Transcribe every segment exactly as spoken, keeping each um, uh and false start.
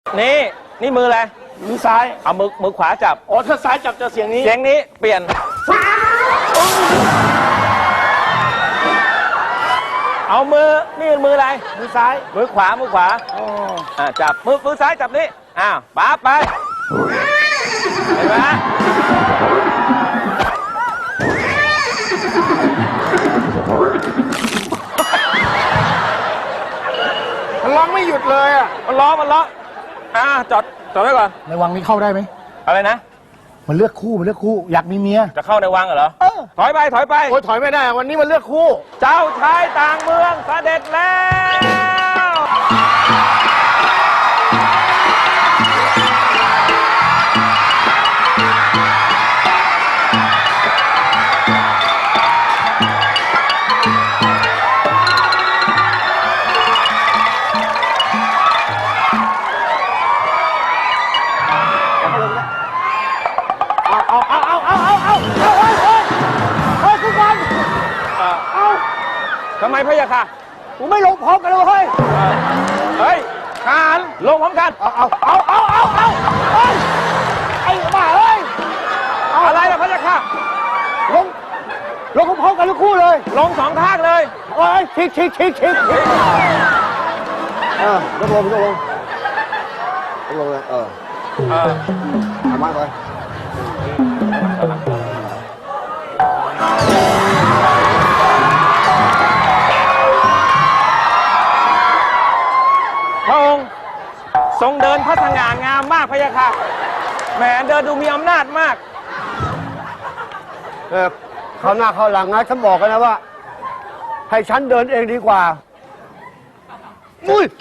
นี่นี่มืออะไรมือซ้ายเอามือมือขวาจับอ๋อถ้าซ้ายจับจะเสียงนี้เสียงนี้เปลี่ยนเอามือนี่มืออะไรมือซ้ายมือขวามือขวาอ๋ออ่าจับมือมือซ้ายจับนี่อ้าวป๊าไปเห็นไหมมันร้องไม่หยุดเลยอ่ะมันร้องมันร้องอ่าจอดจอดไว้ก่อนในวังนี้เข้าได้ไหมอะไรนะมันเลือกคู่มันเลือกคู่อยากมีเมียจะเข้าในวังเหรอถอยไปถอยไปโอ้ยถอยไม่ได้วันนี้มันเลือกคู่เจ้าชายต่างเมืองเสด็จแล้วเอาเอาเอาเอาเอาเอาเอาเฮ้ยเฮ้ยเฮ้ยคุณวันเอาทำไมพะยะค่ะกูไม่ลงพร้อมกันเลยเฮ้ยเฮ้ยทหารลงพร้อมกันเอาเอาเอาเอาเอาเอาเฮ้ยไอ้บ้าเฮ้ยอะไรล่ะพะยะค่ะลงลงพร้อมกันทุกคู่เลยลงสองข้างเลยโอ้ยชิกชิกชิกชิกเออลงลงลงลงลงเลยเออเออทำมาไปพระองค์ทรงเดินพระสง่างามมากพะยะค่ะแหมเดินดูมีอำนาจมากเออเขาหน้าเขาหลังนะฉันบอกกันนะว่าให้ฉันเดินเองดีกว่ามุ้ย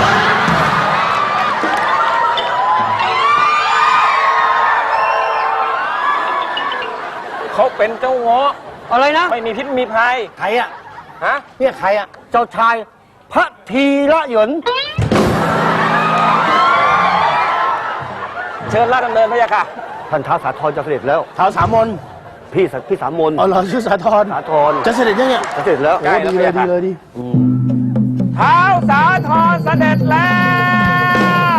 เขาเป็นเจ้าเงาะอะไรนะไม่มีพิษมีภัยใครอ่ะฮะเนี่ยใครอ่ะเจ้าชายพระธีระหยนเชิญราชดำเนินพะยะค่ะท่านท้าวสาธรจะเสด็จแล้วท้าวสามนพี่พี่สามนอ๋อเหรอชื่อสาธรสาธรจะเสด็จยังเนี่ยจะเสด็จแล้วโอ้ดีเลยดีเลยดีท้าวสาธรเสด็จแล้ว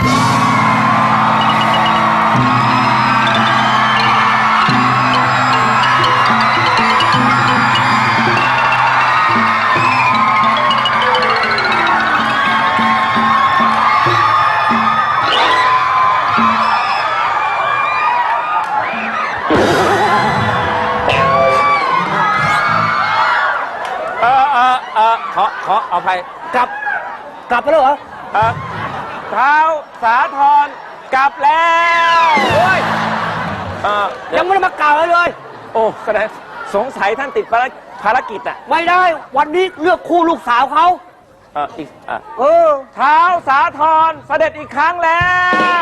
ขอขอเอาภัยกลับกลับไปแล้วเหรอเออท้าวสาธรกลับแล้วโอ้ยยังไม่ได้มากล่าวเลยโอ้แสดงสงสัยท่านติดภารกิจอ่ะไม่ได้วันนี้เลือกคู่ลูกสาวเขาเอออีกเออท้าวสาธรเสด็จอีกครั้งแล้ว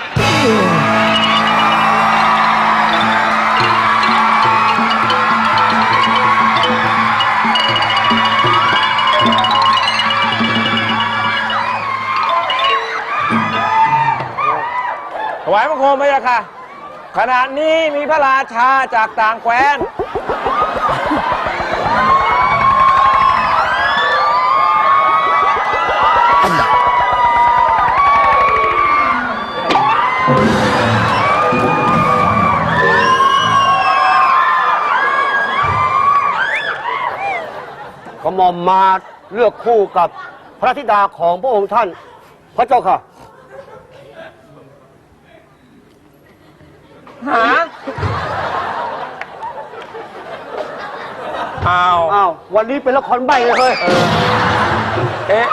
ถวายบังคมพะยะค่ะขณะนี้มีพระราชาจากต่างแคว้นกระหม่อมมาเลือกคู่กับพระธิดาของพระองค์ท่านพระเจ้าค่ะหาอ้าวอ้าววันนี้เป็นละครใบ้เลยเฮ้ยเอ๊ะ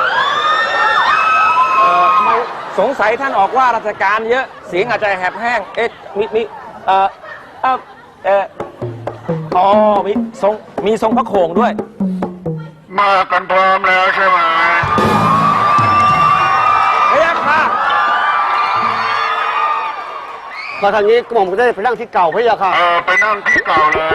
สงสัยท่านออกว่าราชการเยอะเสียงอาจจะแหบแห้งเอ๊ะมีมีเอ่อเอ่อเอ่ออ๋อมีทรงมีทรงพระโขงด้วยมากันพร้อมแล้วใช่ไหมพะยะค่ะมาทางนี้กระหม่อมก็ได้ไปนั่งที่เก่าพะยะค่ะเออไปนั่งที่เก่าเลย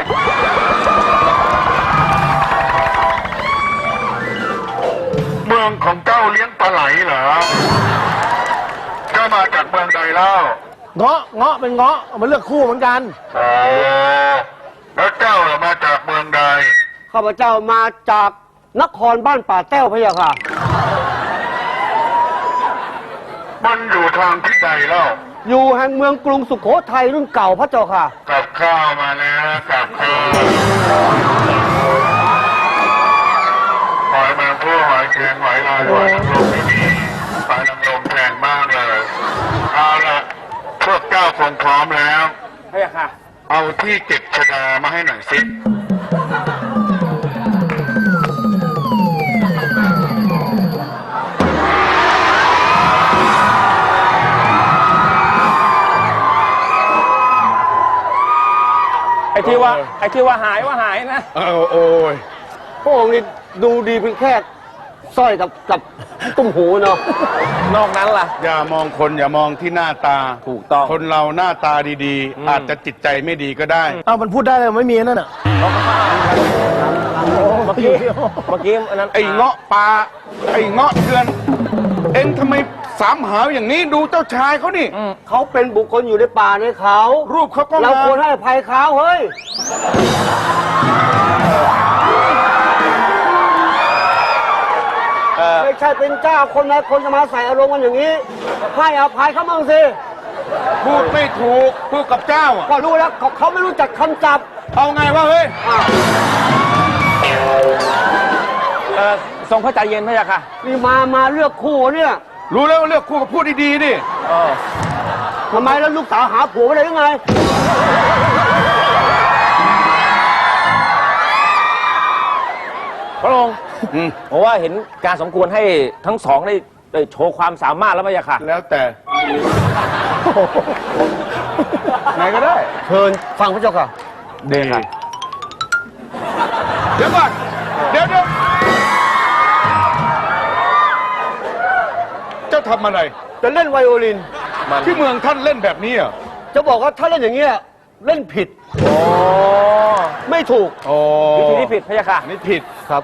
เมืองของเจ้าเลี้ยงปลาไหลเหรอเจ้ามาจากเมืองใดเล่าเงาะเงาะเป็นเงาะมันเลือกคู่เหมือนกันอ๋อแล้วเจ้าล่ะมาจากเมืองใดข้าพเจ้ามาจากนครบ้านป่าแต้วพะยะค่ะมันอยู่ทางทิศใดเล่าอยู่แห่งเมืองกรุงสุโขทัยรุ่นเก่าพระเจ้าค่ะกับข้าวมาแล้วกับข้าวหอยแมงผู้หอยแครงหอยลายหอยนางรมที่นี่หอยนางรมแพงมากเลยเอาละพวกเจ้าคงพร้อมแล้วพระยาค่ะเอาที่เก็บชดามาให้หน่อยสิไอ้ที่ว่าไอ้ที่ว่าหายว่าหายนะเอาโอ้ยพระองค์นี่ดูดีเพียงแค่สร้อยกับกับตุ้มหูเนาะนอกนั้นล่ะอย่ามองคนอย่ามองที่หน้าตาถูกต้องคนเราหน้าตาดีอืมๆ อาจจะจิตใจไม่ดีก็ได้เอามันพูดได้เลยไม่มีนั่นน่ะเมื่อกี้เมื่อกี้อันนั้นไอ้เงาะปลาไอ้เงาะเถื่อน เอ็งทำไมสามหาวอย่างนี้ดูเจ้าชายเขานี่เขาเป็นบุคคลอยู่ในป่าในเขารูปเขาก็เรางามควรให้อภัยเขาเฮ้ยเออไม่ใช่เป็นเจ้าคนนะคนจะมาใส่อารมณ์กันอย่างนี้ ให้อภัยเขาบ้างสิพูดไม่ถูกพูดกับเจ้าอะก็รู้แล้วเขาเขาไม่รู้จักคำจับเอาไงวะเฮ้ยเออทรงพระใจเย็นพระยาค่ะนี่มามาเลือกคู่เนี่ยรู้แล้วว่าเลือกคู่กับพูดดีๆดิเออทำไมแล้วลูกสาวหาผัวไม่ได้ยังไงพระองค์อืมผมว่าเห็นการสมควรให้ทั้งสองได้ได้โชว์ความสามารถแล้วพระยาค่ะแล้วแต่ไหนก็ได้เชิญฟังพระเจ้าค่ะเด็กค่ะเดี๋ยวก่อนเดี๋ยวเดี๋ยวเจ้าทำอะไรจะเล่นไวโอลินมันที่เมืองท่านเล่นแบบนี้เหรอ่ะจะบอกว่าถ้าเล่นอย่างเงี้ยเล่นผิดโอ้ไม่ถูกโอ้วิธีที่ผิดพระยาค่ะนี่ผิดครับ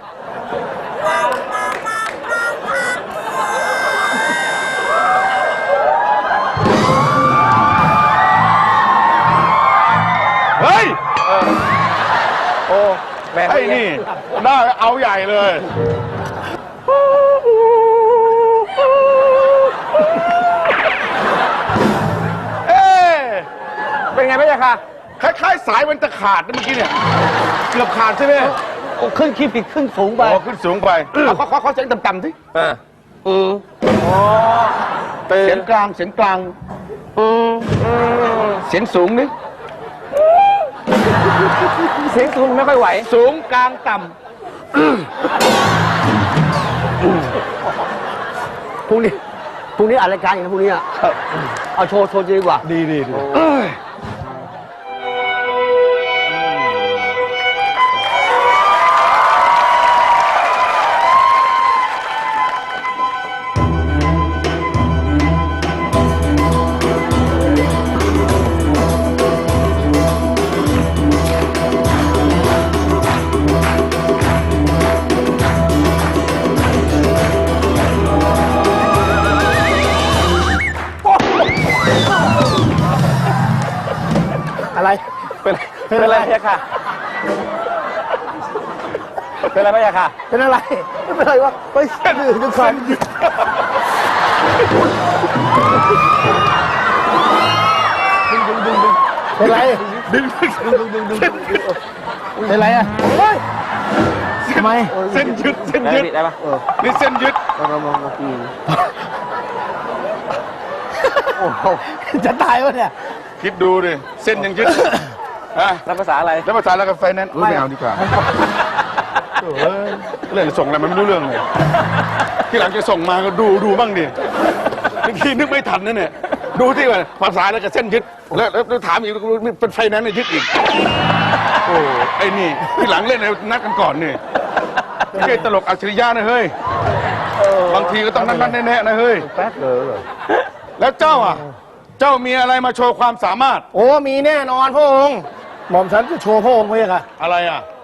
เฮ้ยโอ้แม่ไอ้นี่ได้เอาใหญ่เลย เอ๊ะเป็นไงพระยาค่ะคล้ายๆสายมันจะขาดนะเมื่อกี้เนี่ย เกือบขาดใช่ไหมโอ้ขึ้นขีดผิดขึ้นสูงไปอ๋อขึ้นสูงไปเอาเขาเขาเขาเสียงต่ำๆสิอ่าอืมอ๋อตื่เสียนงกลางเสียงกลางอืมเสียงสูงนี่เสียงสูงไม่ค่อยไหวสูงกลางต่พรุ่งนี้พรุ่งนี้อ่านรายการอีกนะพรุ่งนี้อ่ะเอาโชว์โชว์ดีกว่าำดีดีดีอะไรเป็นเป็นอะไรพระยาค่ะ เป็นอะไรพระยาค่ะเป็นอะไรไม่เป็นไรวะไปเส้นอื่นกันก่อนเป็นไรดึงดึงดึงดึงดึงดึงเป็นไรอ่ะเฮ้ยทำไมเส้นยึดเส้นได้ยึดผิดได้ปะนี่เส้นยึดโอ้โหจะตายวะเนี่ยคิดดูดิเส้นยังยึดฮะแล้วภาษาอะไรแล้วภาษาแล้วกับไฟแนนซ์ไม่เอาดีกว่าเออเรื่องส่งอะไรมันไม่รู้เรื่องเลยที่หลังจะส่งมาก็ดูดูบ้างดิเมื่อกี้นึกไม่ทันนะเนี่ยดูที่ว่าภาษาแล้วกับเส้นยึดแล้วแล้วถามอีกเป็นไฟแนนซ์เนี่ยยึดอีกโอ้ไอ้นี่ที่หลังเล่นเนี่ยนัดกันก่อนนี่ไม่ใช่ตลกอัจฉริยะนะเฮ้ยบางทีก็ต้องนั่นๆแน่ๆนะเฮ้ยแป๊กเลยแล้วเจ้าอ่ะ เจ้ามีอะไรมาโชว์ความสามารถโอ้มีแน่นอนพระองค์หม่อมฉันจะโชว์พระองค์ไว้ค่ะอะไรอ่ะ